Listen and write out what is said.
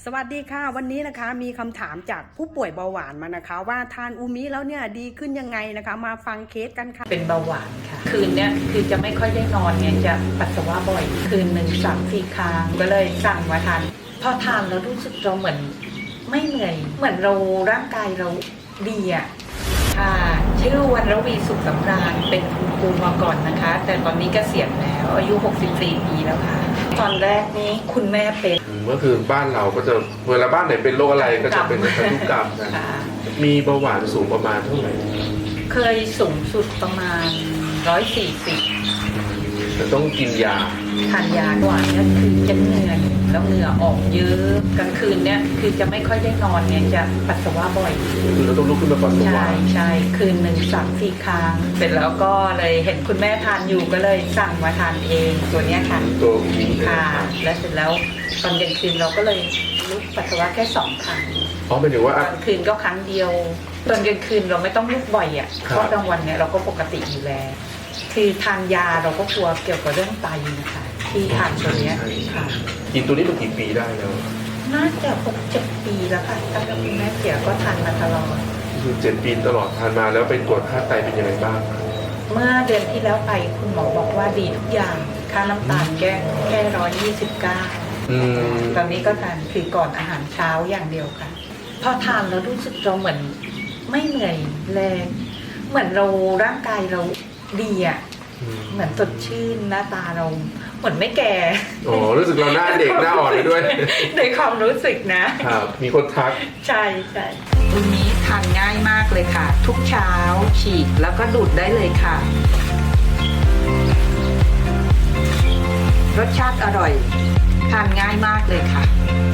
สวัสดีค่ะวันนี้นะคะมีคำถามจากผู้ป่วยเบาหวานมานะคะว่าทานอูมิแล้วเนี่ยดีขึ้นยังไงนะคะมาฟังเคสกันค่ะเป็นเบาหวานค่ะคืนเนี้ยคือจะไม่ค่อยได้นอนไงจะปัสสาวะบ่อยคืนหนึ่ง3-4 ครั้งก็เลยสั่งมาทานพอทานแล้วรู้สึกเราเหมือนไม่เหนื่อยเหมือนเราร่างกายเราดีอ่ะค่ะชื่อวรรณวีสุขสำราญเป็นคุณครูมาก่อนนะคะ แต่ตอนนี้เกษียณแล้วอายุ64 ปีแล้วค่ะตอนแรกนี้คุณแม่เป็นก็คือบ้านเราก็จะเวลาบ้านไหนเป็นโรคอะไรก็จะเป็นพันธุกรรมนะมีเบาหวานสูงประมาณเท่าไหร่เคยสูงสุดประมาณ140 จะต้องกินยาทานยาหวานเนี่ยคือจะเหนื่อยแล้วเหงื่อออกเยอะกลางคืนเนี่ยคือจะไม่ค่อยได้นอนไงจะปัสสาวะบ่อยคือเราต้องลุกขึ้นมาปัสสาวะใช่คืนหนึ่ง3-4 ครั้งเสร็จแล้วก็เลยเห็นคุณแม่ทานอยู่ก็เลยสั่งมาทานเองตัวเนี้ยค่ะตัวนี้ค่ะแล้วเสร็จแล้วตอนเย็นคืนเราก็เลยลุกปัสสาวะแค่2 ครั้งเป็นถึงว่าตอนคืนก็ครั้งเดียวตอนเย็นคืนเราไม่ต้องลุกบ่อยอ่ะเพราะกลางวันเนี่ยเราก็ปกติอยู่แล้วคือทานยาเราก็กลัวเกี่ยวกับเรื่องไตนะคะที่ทานตัวนี้ค่ะกินตัวนี้มากี่ปีได้แล้วน่าจะ6-7 ปีแล้วค่ะตั้งแต่คุณแม่เสียก็ทานมาตลอดคือ7 ปีตลอดทานมาแล้วไปตรวจค่าไตเป็นยังไงบ้างเมื่อเดือนที่แล้วไปคุณหมอบอกว่าดีทุกอย่างค่าน้ำตาลแค่129ตอนนี้ก็ทานคือก่อนอาหารเช้าอย่างเดียวค่ะพอทานแล้วรู้สึกเราเหมือนไม่เหนื่อยแรงเหมือนเราร่างกายเราดีอ่ะเหมือนสดชื่นหน้าตาเราเหมือนไม่แก่รู้สึกเราหน้าเด็กหน้าอ่อนไปด้วยในความรู้สึกนะครับมีคนทักใช่ตัวนี้ทานง่ายมากเลยค่ะทุกเช้าฉีกแล้วก็ดูดได้เลยค่ะรสชาติอร่อยทานง่ายมากเลยค่ะ